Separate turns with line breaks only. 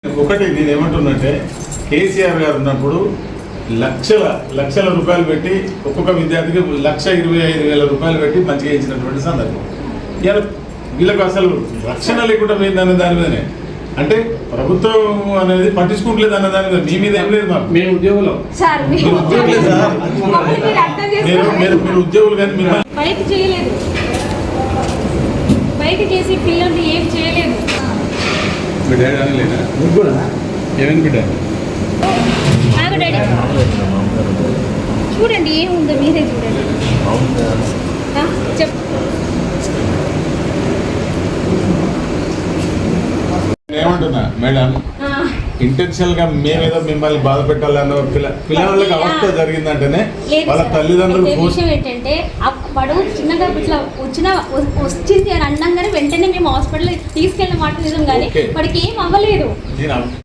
ఒకటి నేను ఏమంటున్నట్టే కేసీఆర్ గారు ఉన్నప్పుడు లక్షల రూపాయలు పెట్టి ఒక్కొక్క విద్యార్థికి 1,25,000 రూపాయలు పెట్టి మంచిగా ఇచ్చినటువంటి సందర్భం. ఇలా వీళ్ళకు అసలు రక్షణ లేకుండా పోయిందనే దాని మీదనే, అంటే ప్రభుత్వం అనేది పట్టించుకుంటలేదు అన్న దాని మీద మీ మీద ఏం లేదు. మాకు
మేము ఉద్యోగులు
మీరు ఉద్యోగులు కానీ మిమ్మల్ని
బయట చేయలేదు, బయట చేసి పిల్లల్ని ఏం చేయలేదు.
బిడ్డ అనలేదా ఏమైంది బిడ్డ?
చూడండి ఏముందో మీరే చూడండి.
ఏమంటున్నా మేడం, ఇంటెన్షనల్ గా మేమేదో మిమ్మల్ని బాధ పెట్టాలన్న పిల్లలకి అవస్థ జరిగిందంటేనే వాళ్ళ తల్లిదండ్రులు
విషయం ఏంటంటే వాడు చిన్నగా ఇట్లా వచ్చింది అని అన్నాగానే వెంటనే మేము హాస్పిటల్ తీసుకెళ్ళిన మాట నిజం, కానీ వాడికి ఏం అవ్వలేదు.